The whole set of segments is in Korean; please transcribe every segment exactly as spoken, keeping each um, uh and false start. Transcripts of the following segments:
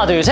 하나, 둘, 셋.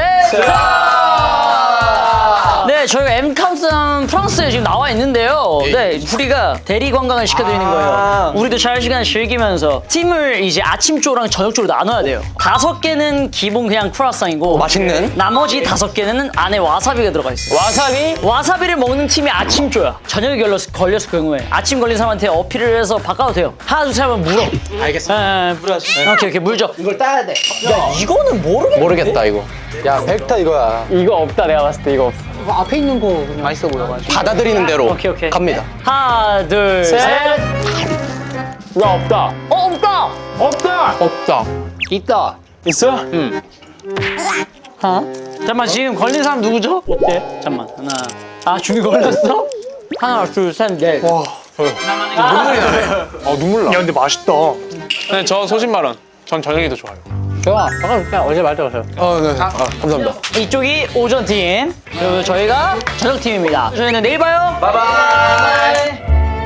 네, 저희가 M 카운트다운 프랑스에 지금 나와 있는데요. 네, 우리가 대리 관광을 시켜드리는 거예요. 우리도 잘 시간 즐기면서 팀을 이제 아침조랑 저녁조로 나눠야 돼요. 다섯 개는 기본 그냥 크루아상이고 맛있는? 나머지 다섯 개는 안에 와사비가 들어가 있어요. 와사비? 와사비를 먹는 팀이 아침조야. 저녁에 걸렸을, 걸렸을 경우에 아침 걸린 사람한테 어필을 해서 바꿔도 돼요. 하나, 둘, 셋 하면 물어. 알겠습니다. 에, 물어야지. 오케이, 오케이, 물 줘. 이걸 따야 돼. 야, 이거는 모르겠는데? 모르겠다 이거. 야 벡터 이거야. 이거 없다 내가 봤을 때 이거 없어. 앞에 있는 거 그냥. 맛있어 보여가지고. 받아들이는 대로. 오케이, 오케이. 갑니다. 하나, 둘, 셋. 야 없다. 어, 없다! 없다. 없다. 있다. 있어? 응. 어? 잠깐만, 지금 걸린 사람 누구죠? 어때? 잠깐만, 하나. 아, 준이 걸렸어? 하나, 둘, 셋, 넷. 와. 눈물이 나네. 아 눈물 나. 야 근데 맛있다. 근데 저 소신발언. 전 저녁이 더 좋아요. 좋아. 잠깐 그냥 어제 말했어요. 아 네. 아 감사합니다. 이쪽이 오전팀, 그리고 저희가 저녁팀입니다. 저희는 내일 봐요. 바이바이.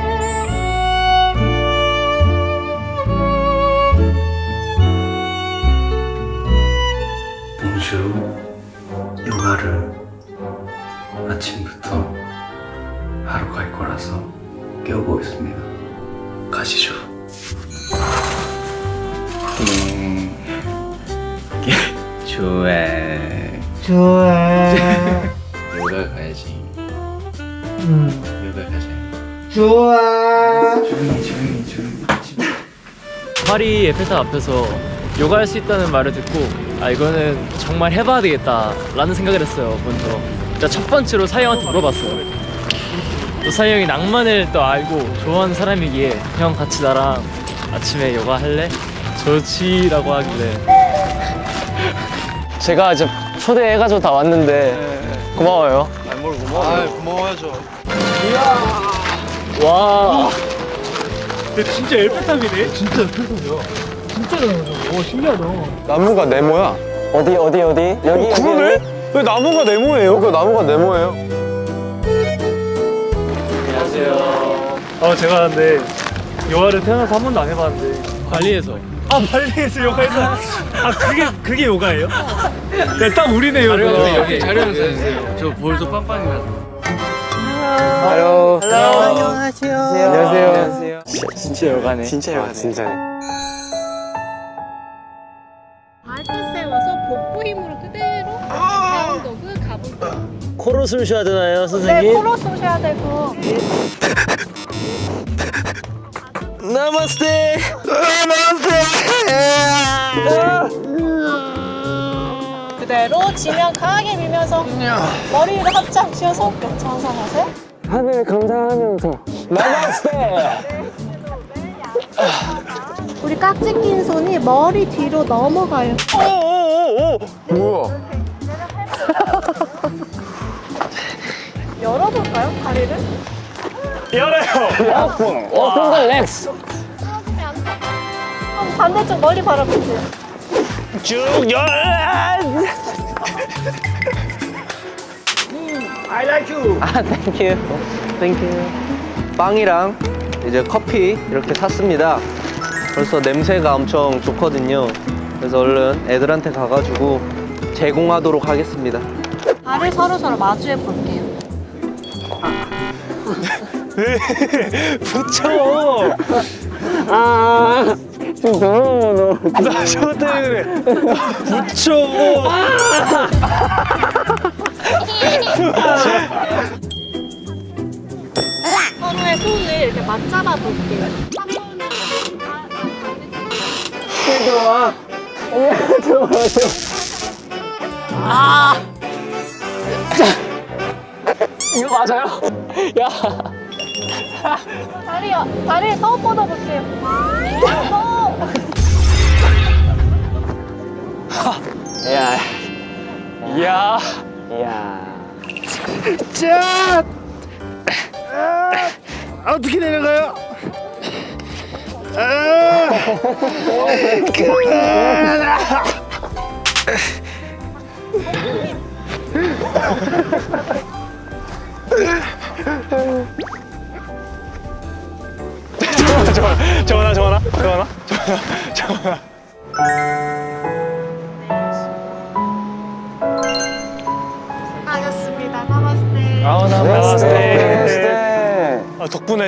봉주 영화를 아침부터 하러 갈 거라서 깨우고 있습니다. 가시죠. 음, 좋아. 좋아. 요가 가야지. 응. 요가 가자. 좋아. 조용히 조용히 조용히. 파리 에펠탑 앞에서 요가할 수 있다는 말을 듣고 아 이거는 정말 해봐야 되겠다 라는 생각을 했어요. 먼저 일단 첫 번째로 사이 형한테 물어봤어요. 또 사이 형이 낭만을 또 알고 좋아하는 사람이기에 형 같이 나랑 아침에 요가 할래? 좋지 라고 하길래 제가 이제 초대해가지고 다 왔는데 고마워요. 아 고마워야죠. 와. 진짜 에펠탑이네. 진짜 나무가 네모야. 어디 어디 어디? 여기 그러네? 여기. 왜 나무가 네모예요? 그 나무가 네모예요. 어 제가 근데 요가를 태어나서 한 번도 안 해봤는데. 발리에서 아 발리에서 요가해서. 아 그게 그게 요가예요? 야, 딱 우리네요. 여기 자료 영상 주세요. 저 볼도 빡빡이 나서 안녕. 안녕하세요. 안녕하세요. 진짜 요가네. 진짜 요가네. 진짜네. 발끝에 와서 복부 힘으로 그대로 다운도그 가볼게요. 코로 숨 쉬어야 되나요, 네, 선생님? 코로 쏘셔야 되고. 나마스테. 그대로 지면 강하게 밀면서 머리를 합작 쥐어서 역전상하세요. 하늘 감사하면서 나마스테. 우리 깍지 낀 손이 머리 뒤로 넘어가요. 뭐야? 열어볼까요, 다리를? 열어요. 오픈 더 렉스. 그럼 반대쪽 머리 바라보세요. 쭉 열. I like you. 아 땡큐. 땡큐. 빵이랑 이제 커피 이렇게 샀습니다. 벌써 냄새가 엄청 좋거든요. 그래서 얼른 애들한테 가가지고 제공하도록 하겠습니다. 발을 서로서로 마주해 볼게요. 붙여. 지금 더러워 너. 나 저거 때문에 그래. 붙여. 서로의 손을 이렇게 맞잡아 볼게요. 들어와. 들어와. 아! 이거 맞아요? 야. 다리, 다리 더 뻗어볼게요. 더. 야. 이야 야. 자. 아, 어떻게 내려가요? 아. 전화, 전화, 전화, 전화, 전화, 전화.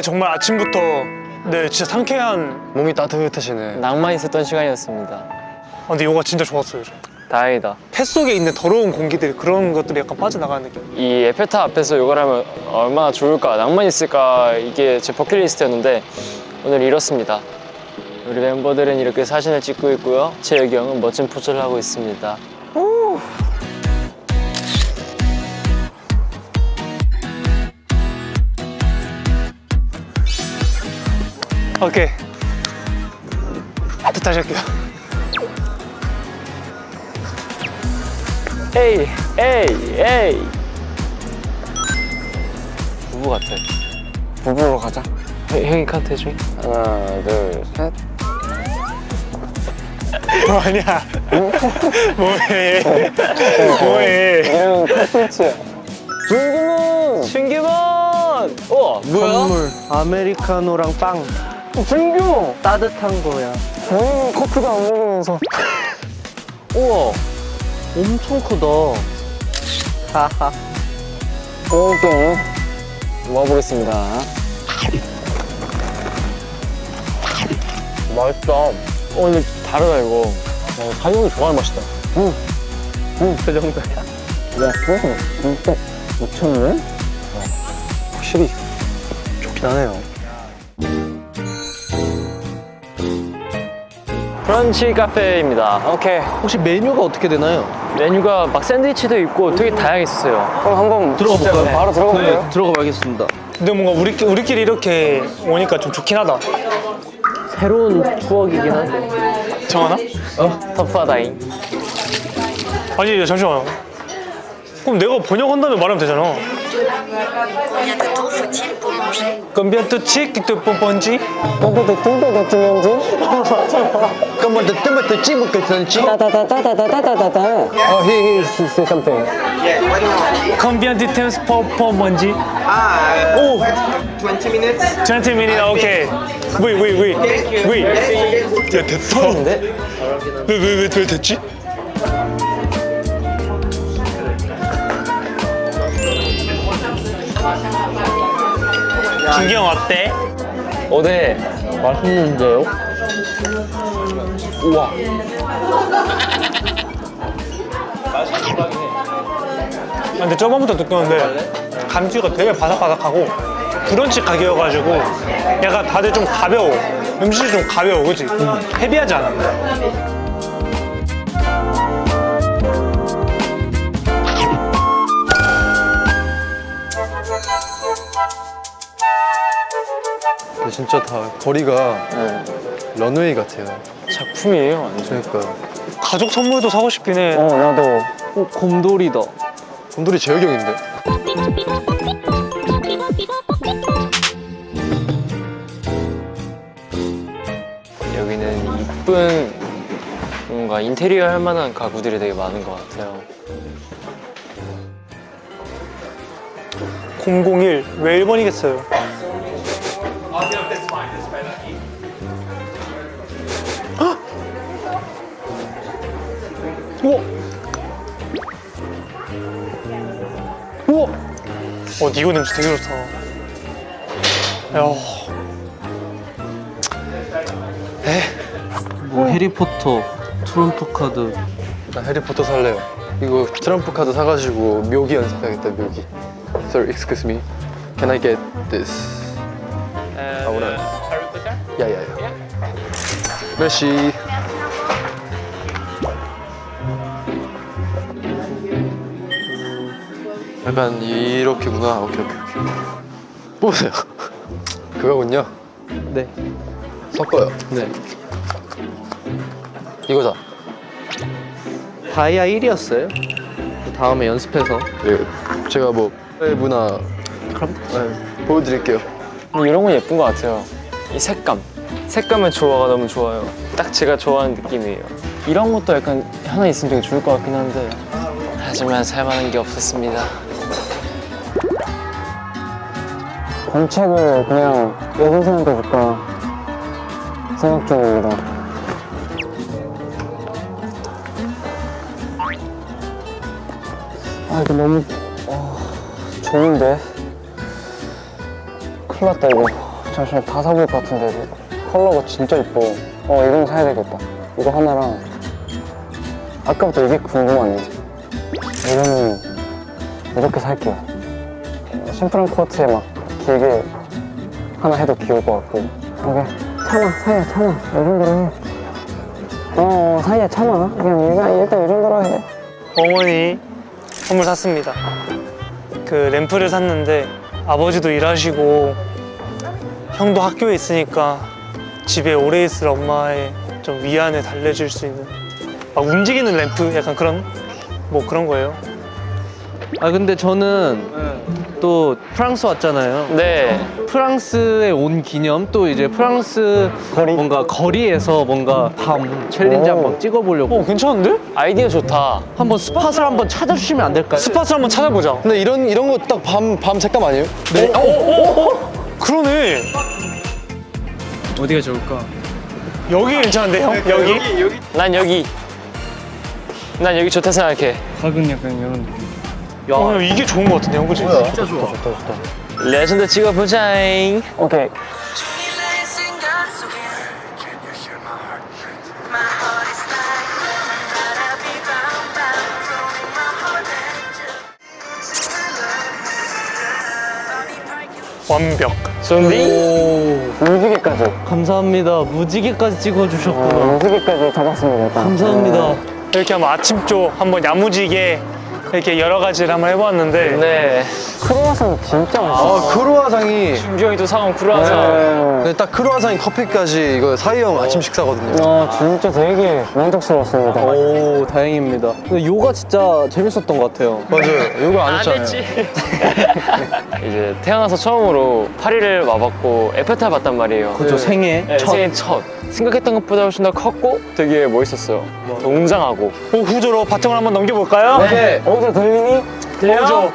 네, 정말 아침부터 네, 진짜 상쾌한. 몸이 따뜻해지네. 낭만 있었던 시간이었습니다. 아, 근데 요가 진짜 좋았어요. 저. 다행이다. 폐 속에 있는 더러운 공기들 그런 것들이 약간 빠져나가는 느낌. 이 에펠탑 앞에서 요가를 하면 얼마나 좋을까, 낭만 있을까, 이게 제 버킷리스트였는데 오늘 이렇습니다. 우리 멤버들은 이렇게 사진을 찍고 있고요. 재혁이 형은 멋진 포즈를 하고 있습니다. 오케이. 또 다시 할게요. 에이, 에이, 에이. 부부 같아. 부부로 가자. 형, 형이 카트 해줘. 하나, 둘, 셋. 뭐 아니야. 뭐해. 뭐해. 형 카트치야. 준규문! 준규문! 우와, 뭐야? 선물 아메리카노랑 빵. 준규! 따뜻한 거야. 본인 커피도 안 먹으면서. 우와. 엄청 크다. 하하. 오케이. 먹어보겠습니다. 맛있다. 어, 근데 다르다, 이거. 어, 사이 형이 좋아하는 맛이다. 응. 응, 그 정도야. 야, 그거 진짜 오천 원? 확실히 좋긴 하네요. 브런치 카페입니다. 오케이. 혹시 메뉴가 어떻게 되나요? 메뉴가 막 샌드위치도 있고 되게 다양했었어요. 그럼 한번 들어가 볼까요? 네, 바로 들어가 볼까요? 네, 들어가 봐야겠습니다. 근데 뭔가 우리, 우리끼리 이렇게 오니까 좀 좋긴 하다. 새로운 추억이긴 한데. 정하나? 어? 터프하다잉. 아니, 잠시만요. 그럼 내가 번역한다면 말하면 되잖아. Combien de temps faut-il pour manger? Combien de chic de pomponji? 뽀뽀도 뚱도 같으면지? 그러면 또 뜨면 또 찌먹겠지? 따다다다다다다다다. 어, he he he say something. Combien de temps pour pomponji? Ah, uh, twenty minutes. twenty minutes, 오케이. Oui, oui, oui. Oui. 야, 됐다. 근데 왜, 왜, 왜, 왜 됐지? 준기 형 어때? 어제 맛있는데요? 우와. 아, 근데 저번부터 느꼈는데 감튀가 되게 바삭바삭하고 브런치 가게여가지고 약간 다들 좀 가벼워. 음식이 좀 가벼워, 그치? 헤비하지 않아. 근데 진짜 다 거리가 네. 런웨이 같아요. 작품이에요, 완전. 그러니까 가족 선물도 사고 싶긴 해. 어, 나도. 어, 곰돌이다. 곰돌이 재혁이 형인데? 여기는 이쁜 뭔가 인테리어 할 만한 가구들이 되게 많은 것 같아요. 공공일 왜 일 번이겠어요? 우와! 우와! 어, 니오 냄새 되게 좋다. 야, 뭐 해리포터, 트럼프 카드. 나 해리포터 살래요. 이거 트럼프 카드 사가지고 묘기 연습해야겠다, 묘기. Sir, excuse me. Can I get this? 아무나. 야야야. 메시. 약간 이렇게구나. 오케이 오케이 오케이. 뽑으세요. 그거군요. 네. 섞어요. 네. 이거다. 다이아 일이었어요. 다음에 연습해서. 네, 제가 뭐 문화 그럼 네, 보여드릴게요. 근데 이런 건 예쁜 것 같아요. 이 색감. 색감의 조화가 너무 좋아요. 딱 제가 좋아하는 느낌이에요. 이런 것도 약간 하나 있으면 되게 좋을 것 같긴 한데 하지만 살만한 게 없었습니다. 관책을 그냥 여동생한테 줄까 생각 중입니다. 아 이거 너무 어, 좋은데? 큰일 났다 이거. 잠시만 다 사볼 것 같은데 이거. 컬러가 진짜 이뻐. 어 이건 사야 되겠다. 이거 하나랑 아까부터 이게 궁금하네. 이거는 이렇게 살게요. 심플한 코트에 막 길게 하나 해도 귀여울 것 같고. 오케이. 참아 사야 참아 이 정도로 해. 어 사야 참아 그냥 일단, 일단 이 정도로 해. 어머니 선물 샀습니다. 그 램프를 샀는데 아버지도 일하시고 형도 학교에 있으니까 집에 오래 있을 엄마의 좀 위안을 달래줄 수 있는 막 움직이는 램프 약간 그런 뭐 그런 거예요. 아 근데 저는 또 프랑스 왔잖아요. 네. 프랑스에 온 기념 또 이제 프랑스 뭔가 거리에서 뭔가 밤 챌린지 한번 찍어보려고. 어 괜찮은데? 아이디어 좋다. 한번 스팟을 한번 찾아주시면 안 될까요? 스팟을 한번 찾아보자. 근데 이런 이런 거 딱 밤 밤 색감 아니에요? 네. 어, 어, 어? 그러네. 어디가 좋을까? 여기 괜찮은데 형? 여기? 난 여기. 난 여기 좋다 생각해. 각은 약간 이런 느낌. 어, 이게 좋은 거 같은데 형 그치? 진짜 좋아. 레전드 찍어보자잉. 오케이. 완벽. 준비. 무지개까지. 감사합니다. 무지개까지 찍어주셨구나. 무지개까지 잡았습니다. 일단. 감사합니다. 이렇게 한번 아침조 한번 야무지게 이렇게 여러 가지를 한번 해보았는데 네. 크로와상 진짜 맛있어. 아 크루아상이 준비 형이 또 사온 크루아상. 네. 근데 딱 크루아상이 커피까지 이거 사이 형 아침 식사거든요. 와 진짜 되게 만족스러웠습니다. 오 다행입니다. 근데 요가 진짜 재밌었던 것 같아요. 맞아요. 이거 안 안 했잖아요. 했지. 이제 태어나서 처음으로 파리를 와봤고 에펠탑 봤단 말이에요. 그죠 생애 네, 첫. 생애 첫. 생각했던 것보다 훨씬 더 컸고 되게 멋있었어요. 더 웅장하고. 어, 후조로 바통을 한번 넘겨볼까요? 네. 어제 들리니? 후조.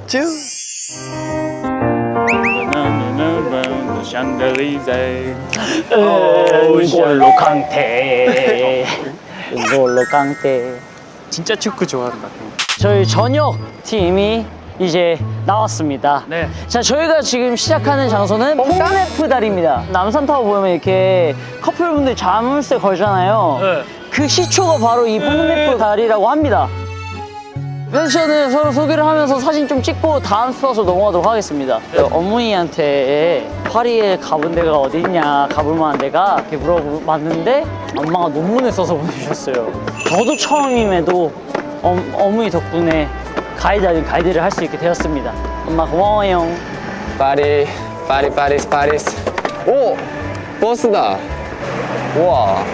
울로 강태 울로 강태. 진짜 축구 좋아한다. 저희 저녁 팀이 이제 나왔습니다. 네. 자, 저희가 지금 시작하는 장소는 뽕네프 다리입니다. 남산타워 보면 이렇게 커플분들 자물쇠 걸잖아요. 네. 그 시초가 바로 이 뽕네프 다리라고 합니다. 패션을 서로 소개를 하면서 사진 좀 찍고 다음 스팟으로 넘어가도록 하겠습니다. 어머니한테 파리에 가본 데가 어디 있냐, 가볼 만한 데가 이렇게 물어봤는데 엄마가 논문을 써서 보내주셨어요. 저도 처음임에도 어, 어머니 덕분에 가이드 아닌 가이드를 할 수 있게 되었습니다. 엄마 고마워요. 파리, 파리, 파리스, 파리스. 오! 버스다. 우와.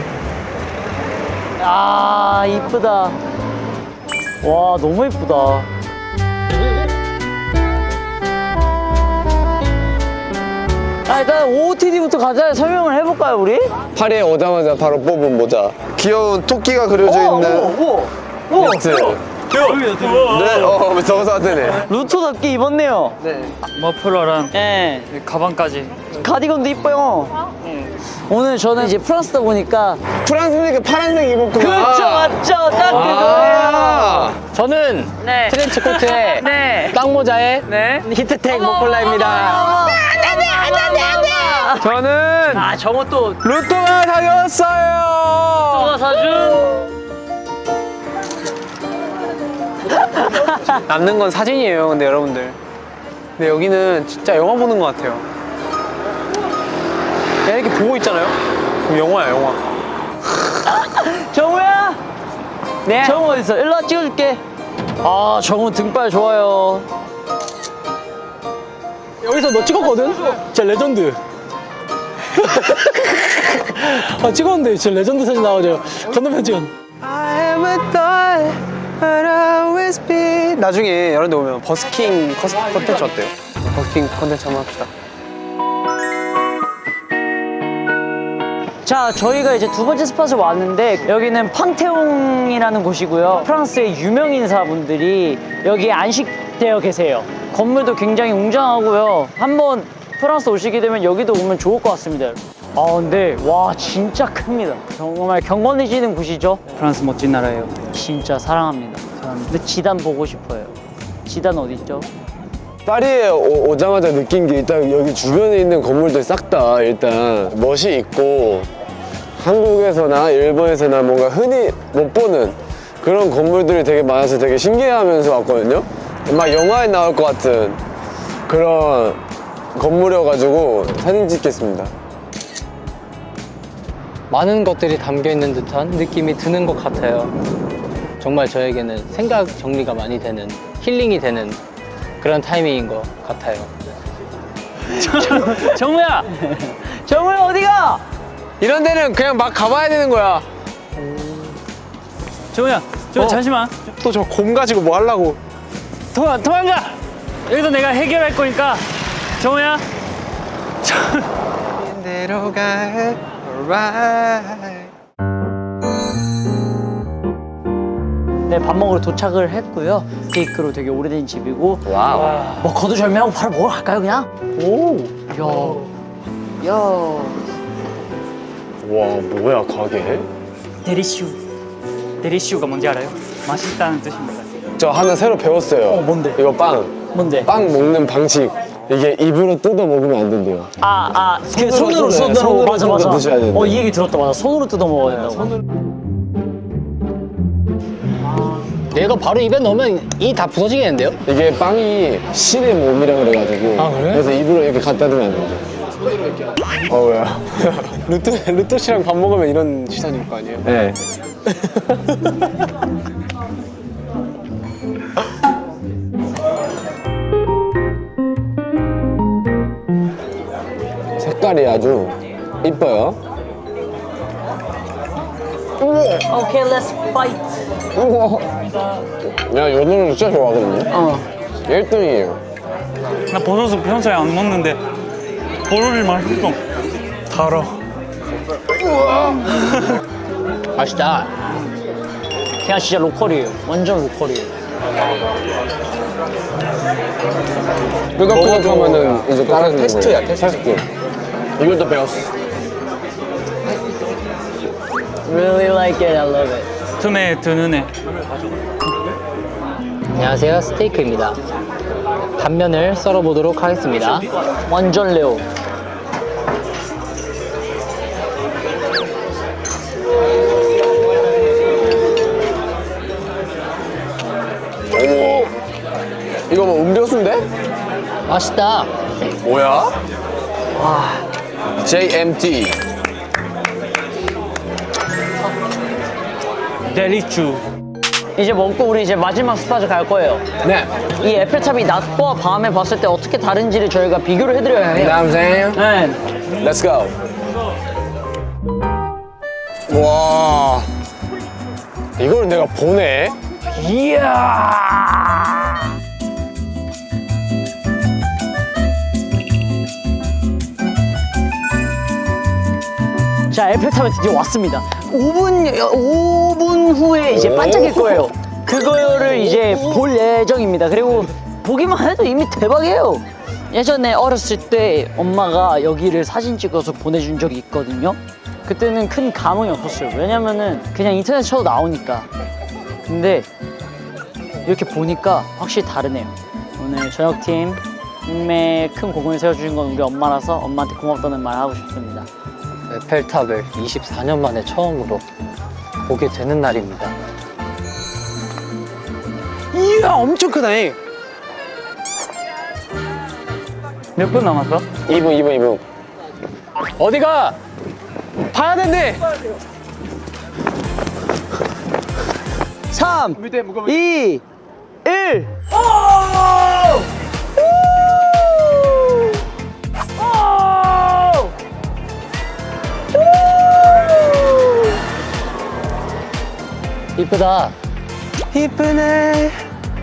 아 이쁘다. 와 너무 이쁘다. 아 일단 오오티디부터 가자. 설명을 해볼까요 우리? 파리에 오자마자 바로 뽑은 모자. 귀여운 토끼가 그려져 있는 벨트. 네, 어, 저거 사왔네. 루토답게 입었네요. 머플러랑 예. 가방까지. 카디건도 이뻐요. 오늘 저는 이제 프랑스다 보니까 프랑스니까 파란색 입었구나. 그렇죠 맞죠 딱 그거예요. 저는 네. 트렌치 코트에 네. 땅 모자에 네. 히트텍 목폴라입니다. 안돼 안돼 안돼 안돼. 저는 아 정호 또 루토가 사줬어요. 누가 사준? 남는 건 사진이에요, 근데 여러분들. 근데 여기는 진짜 영화 보는 것 같아요. 그냥 이렇게 보고 있잖아요? 그럼 영화야, 영화. 정우야? 네. 정우 어딨어? 일로 와 찍어줄게. 아 정우 등발 좋아요. 여기서 너 찍었거든? 진짜 레전드. 아, 찍었는데 진짜 레전드 사진 나오죠? 건너편 찍은. 나중에 여러분들 오면 버스킹 커스- 컨텐츠 어때요? 버스킹 컨텐츠 한번 합시다. 자 저희가 이제 두 번째 스팟을 왔는데 여기는 팡테옹이라는 곳이고요. 프랑스의 유명 인사분들이 여기에 안식되어 계세요. 건물도 굉장히 웅장하고요. 한번 프랑스 오시게 되면 여기도 오면 좋을 것 같습니다. 아 근데 와 진짜 큽니다. 정말 경건해지는 곳이죠. 프랑스 멋진 나라예요. 진짜 사랑합니다. 근데 지단 보고 싶어요. 지단 어디 있죠? 파리에 오, 오자마자 느낀 게 일단 여기 주변에 있는 건물들 싹 다 일단 멋이 있고 한국에서나 일본에서나 뭔가 흔히 못 보는 그런 건물들이 되게 많아서 되게 신기해하면서 왔거든요. 막 영화에 나올 것 같은 그런 건물이어가지고 사진 찍겠습니다. 많은 것들이 담겨 있는 듯한 느낌이 드는 것 같아요. 정말 저에게는 생각 정리가 많이 되는, 힐링이 되는 그런 타이밍인 것 같아요. 정우야! 정우야 어디가? 이런 데는 그냥 막 가봐야 되는 거야. 정우야, 저 잠시만. 또 저 곰 가지고 뭐 하려고. 도망, 도망가! 여기서 내가 해결할 거니까 정우야. 대로 가. Alright. 네, 밥 먹으러 도착을 했고요. 스테이크로 되게 오래된 집이고. 와우. 뭐 거두절미하고 바로 먹으러 갈까요, 그냥? 오, 야, 야. 와, 뭐야, 가게? 데리슈. 데리슈가 뭔지 알아요? 맛있다는 뜻입니다. 저 하나 새로 배웠어요. 어, 뭔데? 이거 빵. 뭔데? 빵 먹는 방식. 이게 입으로 뜯어 먹으면 안 된대요. 아, 아, 그 손으로, 손으로 뜯어요. 손으로, 손으로 맞아, 뜯어 맞아. 드셔야 되는데. 어, 이 얘기 들었다, 맞아. 손으로 뜯어 먹어야 된다고. 얘가 바로 입에 넣으면 이 다 부서지겠는데요? 이게 빵이 신의 몸이라 그래가지고. 아, 그래? 그래서 입으로 이렇게 갖다 대면 안 된대. 어, 왜요? 루토, 루토 씨랑 밥 먹으면 이런 시선일 거 아니에요? 네. 색깔이 아주 이뻐요. 오케이, let's fight. 야, 요 노래 진짜 좋아하거든요. 어. 일 등이에요. 나 버섯을 평소에 안 먹는데 버섯이 맛있어. 달아. 맛있다. 그냥 진짜 로컬이에요. 완전 로컬이에요. 끄덕끄덕하면은 이제 깔아주는 거예요. 테스트야, 테스트. 이것도 배웠어. Really like it, I love it. 틈에 드는 애. 안녕하세요, 스테이크입니다. 단면을 썰어보도록 하겠습니다. 완전 레오. 어머, 이거 뭐 음료수인데? 맛있다. 뭐야? 제이엠티. 데리슈. 이제 먹고 우리 이제 마지막 스팟을 갈 거예요. 네. 이 에펠탑이 낮과 밤에 봤을 때 어떻게 다른지를 저희가 비교를 해드려야 해요. 남생. 네. Let's go. 와. 이걸 내가 보네. 이야. 자, 에펠탑에 드디어 왔습니다. 오 분, 오 분 후에 이제 반짝일 거예요. 그거를 이제 볼 예정입니다. 그리고 보기만 해도 이미 대박이에요. 예전에 어렸을 때 엄마가 여기를 사진 찍어서 보내준 적이 있거든요. 그때는 큰 감흥이 없었어요. 왜냐면은 그냥 인터넷 쳐도 나오니까. 근데 이렇게 보니까 확실히 다르네요. 오늘 저녁팀 팀에 큰 공을 세워주신 건 우리 엄마라서 엄마한테 고맙다는 말 하고 싶습니다. 에펠탑을 이십사 년 만에 처음으로 보게 되는 날입니다. 이야, 엄청 크다. 몇 분 남았어? 이 분, 이 분, 이 분. 어디가? 봐야 된대. 삼, 이, 일. 이쁘다. 이쁘네.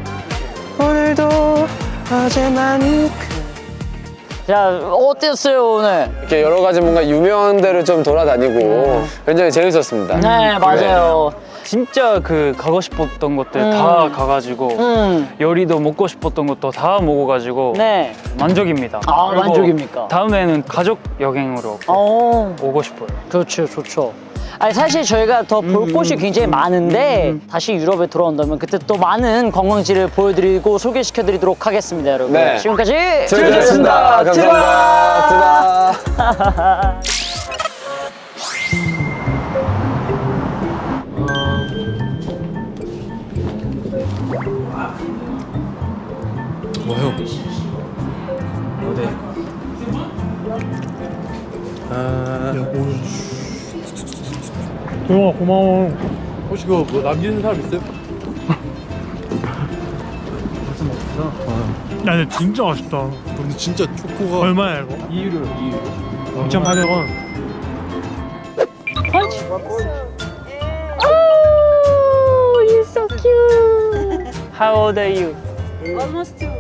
오늘도 어제만큼. 자, 어땠어요 오늘? 이렇게 여러 가지 뭔가 유명한 데를 좀 돌아다니고 굉장히 재밌었습니다. 네, 맞아요. 진짜 그 가고 싶었던 것들 음. 다 가가지고 음, 요리도 먹고 싶었던 것도 다 먹어가지고 네. 만족입니다. 아, 그리고 만족입니까? 다음에는 가족 여행으로 어, 오고 싶어요. 좋죠, 좋죠. 아니 사실 저희가 더 볼 곳이 굉장히 많은데 다시 유럽에 돌아온다면 그때 또 많은 관광지를 보여드리고 소개시켜드리도록 하겠습니다, 여러분. 네. 지금까지 즐거웠습니다. 감사합니다. 트바. 뭐요? 어디? 아, 동영아 고마워. 혹시 그거 뭐 남기는 사람 있어요? 야 근데 진짜 맛있다. 근데 진짜 초코가 얼마야 이거? 이 유로, 이 유로. 이천팔백 원. Oh, you're so cute. How old are you? Almost two.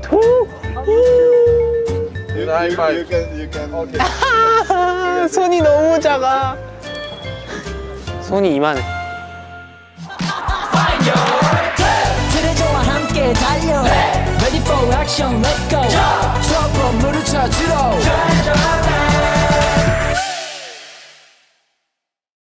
손이 너무 작아. 손이 이만해. 트레저와 함께 달려 Ready for action, let's go 트러블 물을 찾으러